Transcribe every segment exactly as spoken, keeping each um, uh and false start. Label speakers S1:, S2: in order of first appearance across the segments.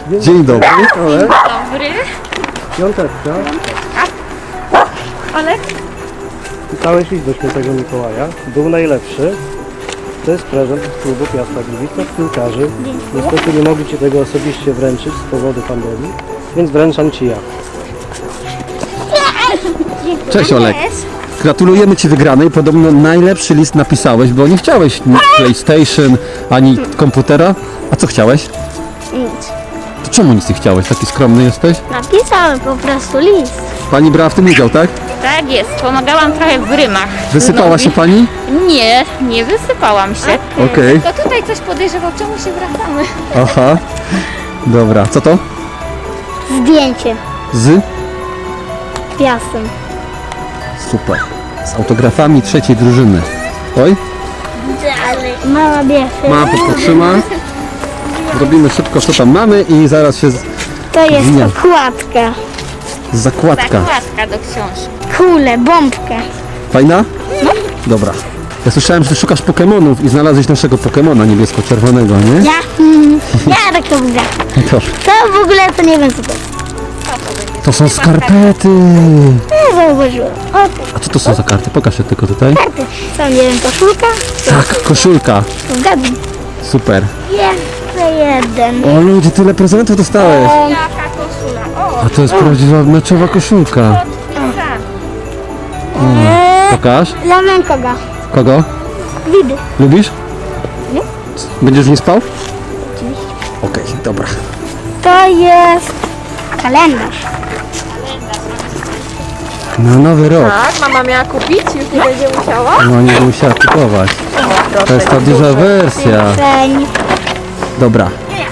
S1: Dzień dobry. Ale
S2: Dobry.
S1: piąteczka.
S2: Olek?
S1: Pisałeś list do świętego Mikołaja. Był najlepszy. To jest prezent z klubu Piasta Gliwice, piłkarzy. Niestety nie mogli Ci tego osobiście wręczyć z powodu pandemii, więc wręczam Ci ja.
S3: Cześć Olek. Gratulujemy Ci wygranej. Podobno najlepszy list napisałeś, bo nie chciałeś ni PlayStation, ani komputera. A co chciałeś?
S4: Nic.
S3: To czemu nic nie chciałeś? Taki skromny jesteś?
S4: Napisałem po prostu list.
S3: Pani brała w tym udział, tak?
S2: Tak jest, pomagałam trochę w rymach.
S3: Wysypała się Pani?
S2: Nie, nie wysypałam się.
S3: Okej.
S2: To tutaj coś podejrzewał, czemu się wracamy?
S3: Aha. Dobra. Co to?
S4: Zdjęcie.
S3: Z?
S4: Piasem.
S3: Super. Z autografami trzeciej drużyny. Oj.
S4: Dalej. Mama bierze.
S3: Mama potrzyma. Zrobimy szybko, co tam mamy i zaraz się z...
S4: To jest
S3: Nie.
S4: okładka.
S3: zakładka.
S2: Zakładka do książki.
S4: Kulę, bombkę.
S3: Fajna? No. Dobra. Ja słyszałem, że ty szukasz Pokemonów i znalazłeś naszego Pokemona niebiesko-czerwonego, nie?
S4: Ja? Mm, ja tak to mówię.
S3: To,
S4: To w ogóle to nie wiem co to jest.
S3: to są skarpety.
S4: Nie zauważyłem. O,
S3: A co to są za karty? Pokaż je tylko tutaj.
S4: karty. Są, nie wiem, koszulka?
S3: Tak, koszulka.
S4: Zgadnij.
S3: Super.
S4: Jeszcze jeden.
S3: O ludzie, tyle prezentów dostałeś.
S2: Jaka koszula? O,
S3: A to jest prawdziwa meczowa koszulka. Pokaż.
S4: Dla mękoga.
S3: Kogo?
S4: Widy.
S3: Lubisz?
S4: Nie.
S3: Będziesz w niej spał?
S4: Oczywiście.
S3: Okej, dobra.
S4: To jest kalendarz.
S3: Na nowy rok.
S2: tak, mama miała kupić, już nie będzie musiała.
S3: No nie musiała kupować. To jest ta duża wersja.
S4: Feń.
S3: Dobra.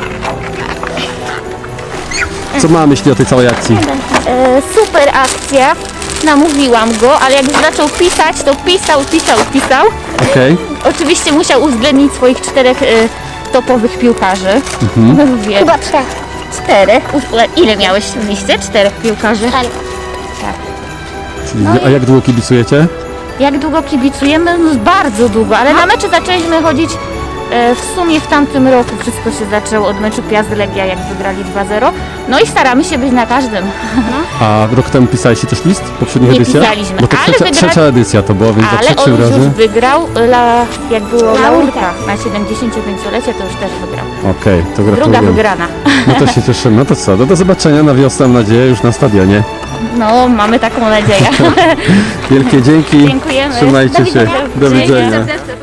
S3: Co ma myśli o tej całej akcji?
S2: E, super akcja. Namówiłam go, ale jak zaczął pisać, to pisał, pisał, pisał.
S3: Okej.
S2: Oczywiście musiał uwzględnić swoich czterech e, topowych piłkarzy. Mhm. Wie,
S4: Chyba trzech.
S2: czterech. U- Ile miałeś w liście? Czterech piłkarzy.
S4: Tak.
S3: Czyli, a jak długo kibicujecie?
S2: Jak długo kibicujemy? No bardzo długo, ale na mecze zaczęliśmy chodzić e, w sumie w tamtym roku. Wszystko się zaczęło od meczu Piast Legia, jak wygrali dwa zero. No i staramy się być na każdym.
S3: A rok temu pisaliście też list w poprzednich
S2: Nie
S3: edycjach?
S2: pisaliśmy,
S3: Bo to
S2: ale
S3: trzecia,
S2: wygra-
S3: trzecia edycja to było, więc za
S2: Ale
S3: trzecim
S2: on już
S3: razem.
S2: wygrał, la, jak było
S4: Laurka.
S2: laurka na siedemdziesięciopięciolecie, to już też wygrał.
S3: Okej, to
S2: Druga
S3: gratuluję.
S2: wygrana.
S3: No to się cieszymy. No to co, no do zobaczenia na wiosnę, mam nadzieję, już na stadionie.
S2: No, mamy taką nadzieję.
S3: Wielkie dzięki.
S2: Dziękujemy.
S3: Trzymajcie
S2: Do
S3: się.
S2: widzenia.
S3: Do widzenia.
S2: Dzięki.